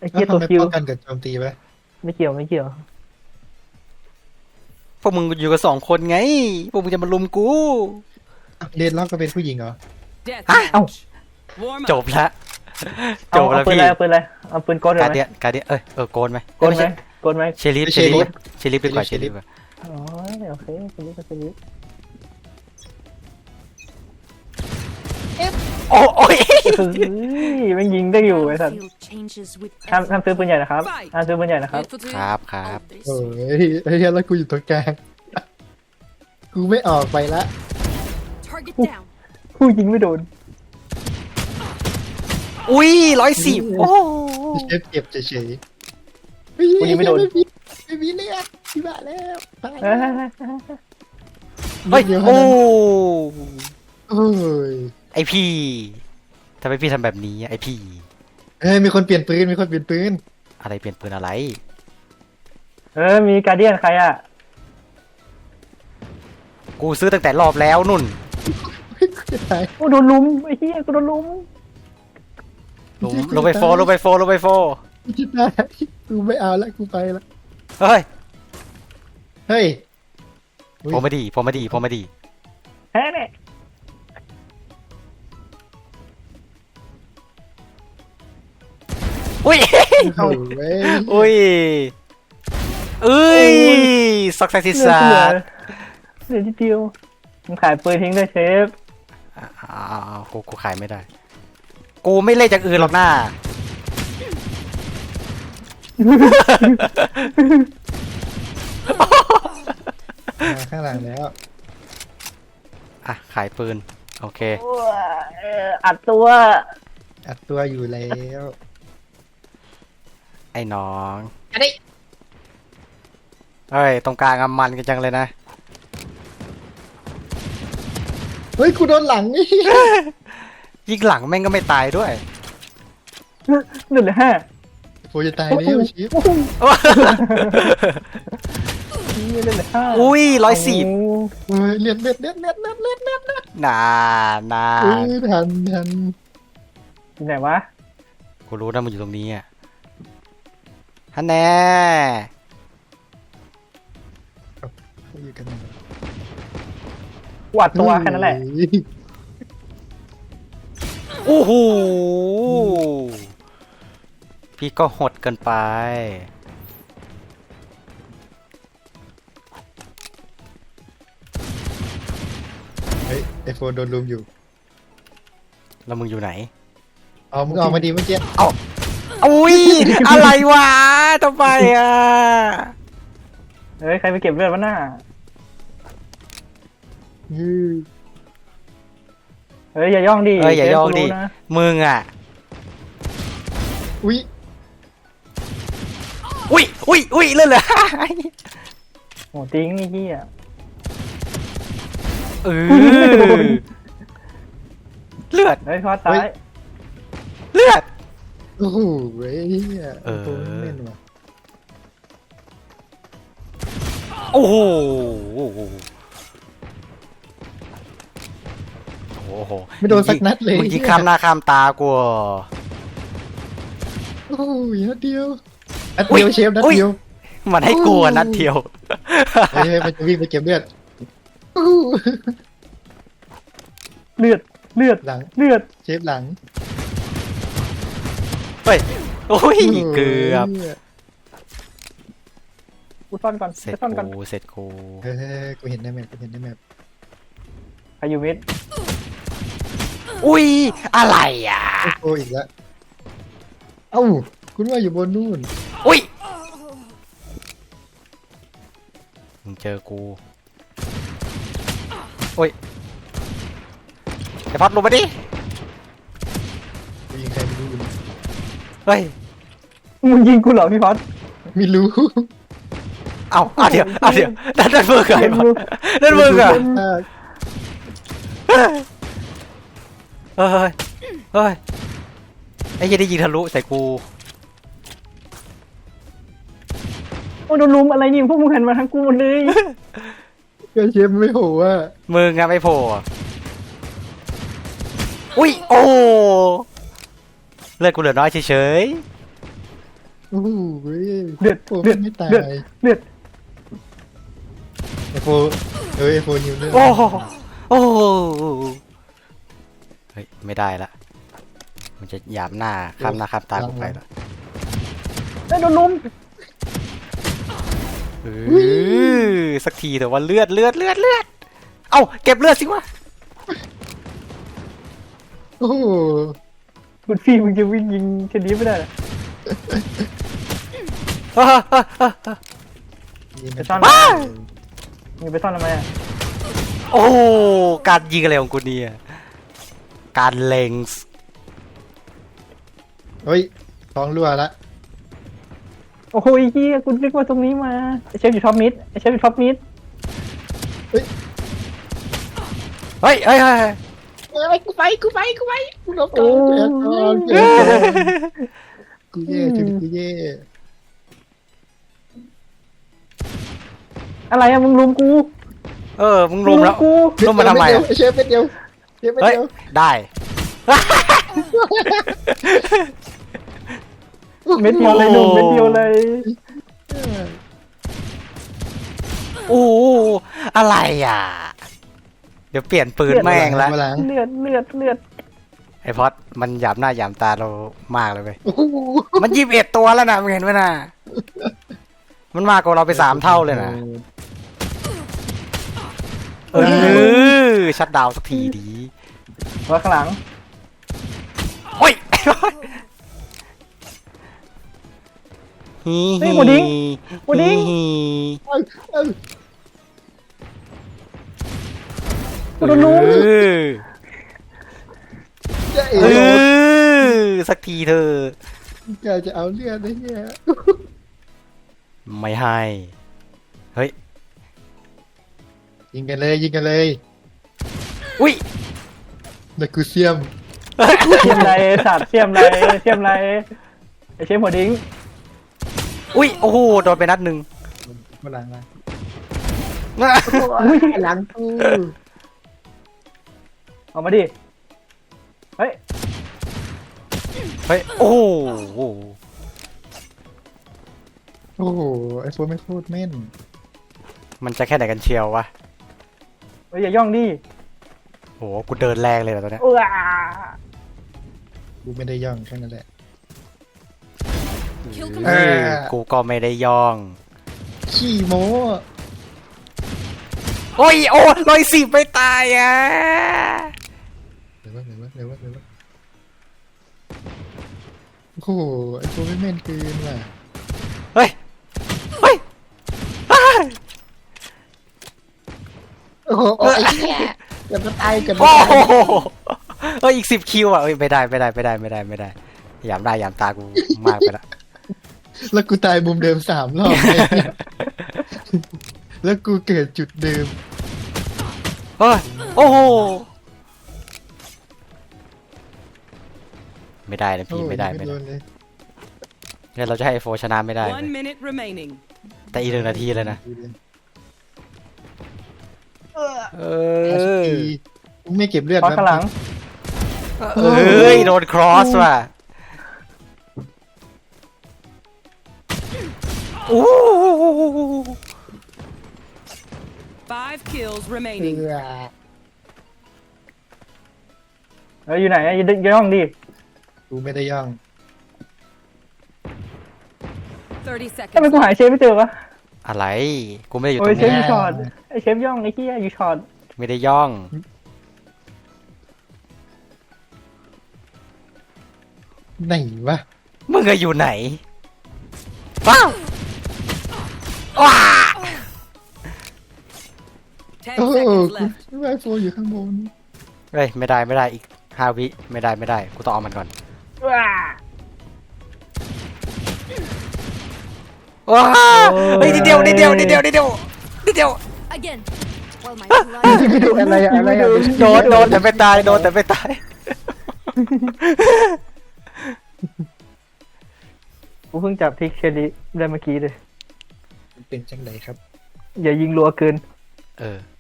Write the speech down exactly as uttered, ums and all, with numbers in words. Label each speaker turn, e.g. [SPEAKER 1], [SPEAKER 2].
[SPEAKER 1] ไอ้
[SPEAKER 2] แล้ว
[SPEAKER 1] เกีย
[SPEAKER 2] ทำ
[SPEAKER 1] ตัว
[SPEAKER 2] ไม
[SPEAKER 1] คิว
[SPEAKER 2] ป้องกันกับโจมตีไหม
[SPEAKER 1] ไม่เกี่ยวไม่เกี่ยว
[SPEAKER 3] พวกมึงอยู่กันสองคนไงพวกมึงจะมาลุมกู
[SPEAKER 2] เดนล็อกก็เป็นผู้หญิงเหรอ
[SPEAKER 3] ฮะ
[SPEAKER 1] เอ้า
[SPEAKER 3] จบละจ
[SPEAKER 1] เอา
[SPEAKER 3] บ
[SPEAKER 1] เอา
[SPEAKER 3] แล้ว
[SPEAKER 1] ปืน
[SPEAKER 3] พี่
[SPEAKER 1] อะไรเอาปืนอะไรเอาปืนกดเล
[SPEAKER 3] การ
[SPEAKER 1] ยไหม
[SPEAKER 3] เดียนการเดียนเอ้ยเออโกนไหม
[SPEAKER 1] กดไหมกดไหม
[SPEAKER 3] เชลิฟเชลิฟเชลิฟดีกว่าเชลิฟดีกว่า
[SPEAKER 1] อ๋อโอเคสลิปสลิป
[SPEAKER 3] โอ้โอ้ย
[SPEAKER 1] เฮ้ยมันยิงได้อยู่ไอ้สัตว์
[SPEAKER 4] Battlefield changes with
[SPEAKER 1] ห้ามห้ามซื้อปืนใหญ่
[SPEAKER 4] every
[SPEAKER 1] นะครับห้ามซื้อปืนใหญ่นะครับ
[SPEAKER 3] ครับครับ
[SPEAKER 2] โอ้ยไอ้เหี้ยแล้วกูอยู่ตรงกลางกูไม่ออกไปละ
[SPEAKER 4] target down.
[SPEAKER 1] ผู้ยิงไม่โดน
[SPEAKER 3] อุ้ยร้อยสิบโอ้
[SPEAKER 2] เชฟเจ็บเฉยๆ
[SPEAKER 1] กูยิงไม่โดน
[SPEAKER 2] ไม่มีไม่มีเลือดที่บ้าแล้วตาย
[SPEAKER 1] เฮ้ย
[SPEAKER 2] แล้ว
[SPEAKER 3] เฮ้ย
[SPEAKER 2] เดี๋ยว
[SPEAKER 3] โอ้
[SPEAKER 2] โอ้ย
[SPEAKER 3] ไอพี่ทำไมพี่ทำแบบนี้อะไอพี่
[SPEAKER 2] เฮ้ยมีคนเปลี่ยนปืนมีคนเปลี่ยนปืน
[SPEAKER 3] อะไรเปลี่ยนปืนอะไร
[SPEAKER 1] เออมีการเดียนใครอ่ะ
[SPEAKER 3] กูซื้อตั้งแต่รอบแล้วนุ่น
[SPEAKER 2] เฮ้ยกูจะตาย
[SPEAKER 1] โอ้โดนลุมไอ้เหี้ยกูโดนลุม
[SPEAKER 3] ลงลงไปโฟลงไปโฟลงไปโฟ
[SPEAKER 2] กูจะตายกูไม่เอาละกูไปละ
[SPEAKER 3] เฮ้ย
[SPEAKER 2] เฮ้ยอุ๊ย
[SPEAKER 3] ผมมาดีผมมาดีผมมาดี
[SPEAKER 1] แฮ่เนี่ย
[SPEAKER 3] อุ้ย
[SPEAKER 2] โอ้เว้ย
[SPEAKER 3] อุ้ยเอ้ยสักสักสิ
[SPEAKER 1] เหลือ
[SPEAKER 3] สา
[SPEAKER 1] เหลือ
[SPEAKER 3] ด
[SPEAKER 1] เหลือที่เดียวมึงขายปืนทิ้งด้วยเชฟ
[SPEAKER 3] อ้าวกูกูขายไม่ได้ กูไม่เล่นจากอื่นหรอกหน้า
[SPEAKER 2] มาข้างหลังแล้ว
[SPEAKER 3] อ่ะขายปืนโอเค
[SPEAKER 1] โอ้ยเอ่ออัดตัว
[SPEAKER 2] อัดตัวอยู่แล้ว
[SPEAKER 3] ไอ้น้องเฮ้ยตรงกลางอะมันกันจังเลยนะ
[SPEAKER 2] เฮ้ยกูโดนหลังนี่
[SPEAKER 3] ยิงหลังแม่งก็ไม่ตายด้วย
[SPEAKER 1] หนึ่งเลยห้า
[SPEAKER 2] โฟจะตายแล้วชิป
[SPEAKER 1] โอ้โหนี่เล่นเลยห้า
[SPEAKER 3] อุ้ยร้อยสิบ
[SPEAKER 2] เฮ้ยเลือดเลือดเลือดเลือดเลือดเลือดเลือดเลือด
[SPEAKER 3] นานา
[SPEAKER 2] เอ้ยทันทัน
[SPEAKER 1] ที่ไหนวะ
[SPEAKER 3] กูรู้นะมันอยู่ตรงนี้อ่ะฮันแน่
[SPEAKER 2] เขาอยู่กัน
[SPEAKER 1] กวาดตัวแค่นั้นแหละ
[SPEAKER 2] เฮ้ย
[SPEAKER 3] โอ้โหพี่ก็หดเกินไป
[SPEAKER 2] เฮ้ยไอโฟนโดนลุมอยู่
[SPEAKER 3] แล้วมึงอยู่ไหน
[SPEAKER 2] เอามึงออกมาดีเมื่อกี้
[SPEAKER 3] อุ้ย อะไรวะทำไมอ่ะ
[SPEAKER 1] เฮ้ยใครไปเก็บเลือดวะหน้า
[SPEAKER 2] อือ
[SPEAKER 1] เฮ้ยอย่าย่องดิ
[SPEAKER 3] เอ้ยอย่าย่องดิ
[SPEAKER 1] เชฟกูรู้นะ
[SPEAKER 3] มึงอ่ะ
[SPEAKER 2] อุ้ย
[SPEAKER 3] อุ้ยอุ้ยอุ้ยเลื่อนเลย
[SPEAKER 1] โอ้ติ้งนี่เหี้ย
[SPEAKER 3] เออเลือด
[SPEAKER 1] เฮ้ยพอตาย
[SPEAKER 3] เลือด
[SPEAKER 2] โอ้โหเว้ยเนี่ย
[SPEAKER 3] เออ
[SPEAKER 2] ตัวเล่นว่ะ
[SPEAKER 3] โอ้โหโอ้โหโอ้โห
[SPEAKER 2] ไม่โดนสักนัดเลย
[SPEAKER 3] มึงยิงข้ามหน้าข้ามตากู
[SPEAKER 2] โอ้ยนัดเดียวนัดเดียวเชฟนัดเดียว
[SPEAKER 3] มันให้กูอะนัดเดียว
[SPEAKER 2] เฮ้ยมันจะวิ่งไปเก็บเลือดโอ้โห
[SPEAKER 1] เลือดเลือด
[SPEAKER 2] หลัง
[SPEAKER 1] เลือด
[SPEAKER 2] เชฟหลัง
[SPEAKER 3] เฮ้ยโอ้ยเกือบ
[SPEAKER 1] กูซ่อนก่อน
[SPEAKER 3] เสร็จ
[SPEAKER 1] ไปซ่อนก่อน
[SPEAKER 3] กูเสร็จกู
[SPEAKER 2] เฮ้ยกูเห็นในแมปกูเห็นในแมป
[SPEAKER 1] ใครอยู่มิด
[SPEAKER 3] อุ้ยอะไรอ่ะ
[SPEAKER 2] โอ้โหอีกแล้วเอ้าคุณว่าอยู่บนนู่น
[SPEAKER 3] อุ้ยมึงเจอกูโอ้ยไอ้พัดลงมาดิ
[SPEAKER 2] กูยิงใครไม่รู้อยู่
[SPEAKER 3] เฮ้ย
[SPEAKER 1] มึงยิงกูเหรอพี่พอด
[SPEAKER 2] ไม่รู้
[SPEAKER 3] เอาเอาเดี๋ยวเอาเดี๋ยวนั่นนั่นมึงเหรอไอ้พัดนั่นมึงเหรอ เฮ้ย เฮ้ย ไอ้เหี้ยได้ยิงทะลุใส่กู
[SPEAKER 1] โอ้โดนลุมอะไรนี่พวกมึงหันมาทางกูหมดเลย
[SPEAKER 2] ก็เชฟไม่โหว่า
[SPEAKER 3] มึงอะไม่โผล่อุ้ย โอ้เลือดกูเหลือน้อยเฉย
[SPEAKER 2] โอ้โหเว้ย
[SPEAKER 1] เลือด
[SPEAKER 2] โฟ
[SPEAKER 1] เลือด
[SPEAKER 2] ไม่ตาย
[SPEAKER 1] เลือดเลือด
[SPEAKER 2] ไอโฟเอ้ยไอโฟนิวเลือด
[SPEAKER 3] โอ้โหโอ้โหเฮ้ยไม่ได้ละมันจะหยามหน้าข้ามหน้าข้ามตากูไปละ
[SPEAKER 1] เอ้ยโดนลุม
[SPEAKER 3] เออสักทีแต่ว่าเลือดเลือดเลือดเลือดเอ้าเก็บเลือดสิวะ
[SPEAKER 2] โอ้โห
[SPEAKER 1] คุณพี่มึงจะวิ่งยิงชนิดไม่ได้เหรอ
[SPEAKER 2] นี่
[SPEAKER 1] ไป
[SPEAKER 2] มัน
[SPEAKER 1] ซ่อนทำไมมึงไปซ่อนทำไมอ่ะ
[SPEAKER 3] โอ้การยิงอะไรของกูเนี่ยการเล็งส์
[SPEAKER 2] เฮ้ยท้องรั่วละ
[SPEAKER 1] โอ้โหเฮียคุณนึกว่าตรงนี้มาไอ้เชฟอยู่ท็อปมิดไอเชฟอยู่ท็อปมิด
[SPEAKER 3] เฮ้ยเฮ้ยเฮ้ยเฮ้ย
[SPEAKER 2] เอ้ยกูไปกูไปกูไปกูหลบก่
[SPEAKER 1] โอ้
[SPEAKER 2] อนแกก่อนแก
[SPEAKER 1] ย
[SPEAKER 2] ก่อนกูแย่ชีวิตกูแย่
[SPEAKER 1] อะไรอะมึงลุมกู
[SPEAKER 3] เออมึงรุมแล้ว
[SPEAKER 1] กู
[SPEAKER 3] รุมมาทำไม
[SPEAKER 2] เดียว
[SPEAKER 3] อะ
[SPEAKER 2] เชฟเป็นเดียวเชฟเป็น
[SPEAKER 3] เฮ้ย
[SPEAKER 2] เดียว
[SPEAKER 3] ได้
[SPEAKER 1] เม็ดเดียวเลยหนุ่มเม็ดเดียวเลย
[SPEAKER 3] โอ้โหอะไรอ่ะเดี๋ยวเปลี่ยนปืนแม่งละ
[SPEAKER 2] มาหลัง
[SPEAKER 1] เลือดเลือดเลือด
[SPEAKER 3] ไอพอดมันหยามหน้าหยามตาเรามากเลยเว้ย
[SPEAKER 2] โอ้โห
[SPEAKER 3] มันยี่สิบเอ็ดตัวแล้วนะมึงเห็นไหมนะมันมากกว่าเราไปสามเท่าเลยนะเออชัดดาวน์สักทีดี
[SPEAKER 1] มาข้างหลัง
[SPEAKER 3] โอ้ยฮี
[SPEAKER 1] เฮ้ยหมูดิ้งหมูดิ้ง
[SPEAKER 3] ฮี
[SPEAKER 2] เอ้ยเอ้ย
[SPEAKER 1] กูโดนลุม
[SPEAKER 3] เออ
[SPEAKER 2] เจ๊เอ๋
[SPEAKER 3] เออสักทีเธอะ
[SPEAKER 2] แกจะเอาเลือดได้เนี่ย
[SPEAKER 3] ไม่ให้เฮ้ย
[SPEAKER 2] ยิงกันเลยยิงกันเลย
[SPEAKER 3] อุ้ย
[SPEAKER 2] นักกูเซียม
[SPEAKER 1] เสียมไรสัตว์เสียมไรเสียมไรไอเชฟหัวดิ้ง
[SPEAKER 3] อุ้ยโอ้โหโดนไปนัดหนึ่ง
[SPEAKER 2] มาหลังมา
[SPEAKER 1] อุ้ย
[SPEAKER 2] หลังกู
[SPEAKER 1] ออกมาดิเฮ้ย
[SPEAKER 3] เฮ้ยโอ้โห
[SPEAKER 2] โอ้โหไอโฟนไม่โคตรแม่น
[SPEAKER 3] มันจะแค่ไหนกันเชียววะ
[SPEAKER 1] เฮ้ยอย่าย่องดิ
[SPEAKER 3] โหกูเดินแรงเลยเหรอตอนเนี้ย
[SPEAKER 1] เออ
[SPEAKER 2] กูไม่ได้ย่องแค่นั้นแหละ
[SPEAKER 4] Kill
[SPEAKER 3] เอ
[SPEAKER 4] confirmed.
[SPEAKER 3] อกูก็ไม่ได้ย่อง
[SPEAKER 2] ขี้โม้
[SPEAKER 3] โอ้ยโอ้ลอยสิบไม่ตายอ่ะ
[SPEAKER 2] เร็ววะเร็ววะเร็ววะเร็ววะโอ้โหไอโฟนไม่แม่นเกินว่ะ
[SPEAKER 3] เฮ้ยเฮ้ยอ้าย
[SPEAKER 2] โอ้โหไอ้เหี้ยกันจะตายกัน
[SPEAKER 3] โอ้โหเฮ้ยอีกสิบคิวอ่ะเอ้ยไม่ได้ไม่ได้ไม่ได้ไม่ได้ไม่ได้หยามได้หยามตากูมากไปละ
[SPEAKER 2] แล้วกูตายมุมเดิมสามรอบเลยแล้วกูเกิดจุดเดิม
[SPEAKER 3] เฮ้ยโอ้โหไม่ได้นะพี่ไม่ได้ไม่ได้
[SPEAKER 2] โนเลย
[SPEAKER 3] งั้นเราจะให้ไอโฟชนะไม่ได้
[SPEAKER 4] One minute remaining.
[SPEAKER 3] แต่อีกหนึ่งนาทีเลยนะเอ
[SPEAKER 2] แอส
[SPEAKER 3] อ
[SPEAKER 2] พีมึงไม่เก็บเลือด
[SPEAKER 1] ขอข้างหลัง
[SPEAKER 3] เอ้ยโดนครอสว่ะโอ้
[SPEAKER 4] Five kills
[SPEAKER 2] เอ
[SPEAKER 4] remaining.
[SPEAKER 2] อ
[SPEAKER 1] เฮ้ยอยู่ไหนอะอย่าอย่าย่องดิ
[SPEAKER 2] กูไม่ได้ย่อง
[SPEAKER 4] Thirty
[SPEAKER 1] ทำไม
[SPEAKER 4] seconds.
[SPEAKER 1] กูหาเชฟไม่เจอวะ
[SPEAKER 3] อะไรกูไม่ได้อยู่ต
[SPEAKER 1] โอ้
[SPEAKER 3] ร
[SPEAKER 1] ย
[SPEAKER 3] ง
[SPEAKER 1] เชฟ
[SPEAKER 3] นี้
[SPEAKER 1] อยู่ช็อตไอเชฟย่องไอ้เหี้ยอยู่ช็อต
[SPEAKER 3] ไม่ได้ย่อง
[SPEAKER 2] ไหนวะ
[SPEAKER 3] มึงอะอยู่ไหนว้าวว้า
[SPEAKER 4] Ten
[SPEAKER 2] โอ้โห
[SPEAKER 4] seconds
[SPEAKER 2] กู
[SPEAKER 4] left.
[SPEAKER 2] ไอโฟนอยู่ข้างบน
[SPEAKER 3] เฮ้ยไม่ได้ไม่ได้อีกห้าวิไม่ได้ไม่ได้กูต้องเอามันก่อน
[SPEAKER 1] ว้า
[SPEAKER 3] ว้าวเฮ้ยนิดเดียวนิดเดียวนิดเดียวนิดเดียวนิดเดียว
[SPEAKER 4] Again. While my blood
[SPEAKER 2] ไม่ดูอะไรอะอะไรอะ
[SPEAKER 3] โดนโดนแต่ไม่ตายโดนแต่ไม่ตาย
[SPEAKER 1] กูเพิ่งจับทิกเชลิได้เมื่อกี้เลย
[SPEAKER 2] เป็นจังไหนครับ
[SPEAKER 1] อย่ายิงรัวเกิน
[SPEAKER 3] เออ